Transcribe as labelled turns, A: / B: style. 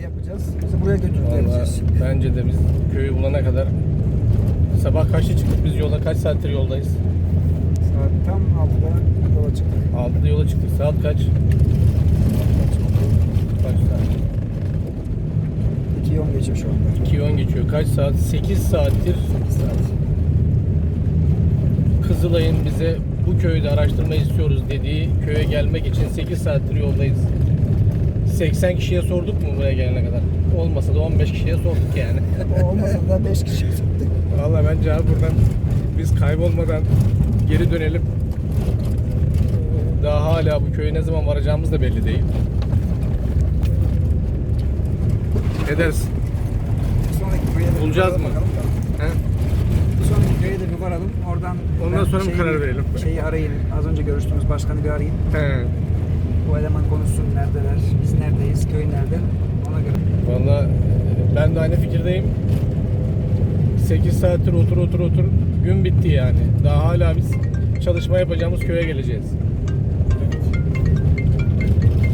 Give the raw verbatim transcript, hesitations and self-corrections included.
A: yapacağız. Bizi buraya götürüp
B: Vallahi
A: vereceğiz.
B: bence de biz köyü bulana kadar sabah kaçta çıktık biz yola, kaç saattir yoldayız?
A: Saat tam altıda yola çıktık.
B: altıda yola çıktık. Saat kaç? Kaç saat?
A: iki on geçiyor şu anda.
B: iki on geçiyor. Kaç saat? sekiz saattir
A: sekiz saat.
B: Kızılay'ın bize bu köyde araştırma istiyoruz dediği köye gelmek için sekiz saattir yoldayız. seksen kişiye sorduk mu buraya gelene kadar? Olmasa da on beş kişiye sorduk yani.
A: O olmasa da beş kişi çıktık.
B: Vallahi bence abi buradan biz kaybolmadan geri dönelim. Daha hala bu köye ne zaman varacağımız da belli değil. Ne dersin?
A: Bir sonraki köye de
B: Bulacağız
A: bir
B: mı?
A: bakalım da.
B: He?
A: Bir sonraki köye de bir varalım. Oradan
B: Ondan
A: ben
B: sonra mı karar verelim?
A: Şeyi arayayım. Az önce görüştüğümüz başkanı bir arayayım.
B: He.
A: Bu eleman konuşsun, neredeler, biz neredeyiz, köy nerede, ona göre.
B: Vallahi ben de aynı fikirdeyim. sekiz saattir otur otur otur gün bitti yani. Daha hala biz çalışma yapacağımız köye geleceğiz.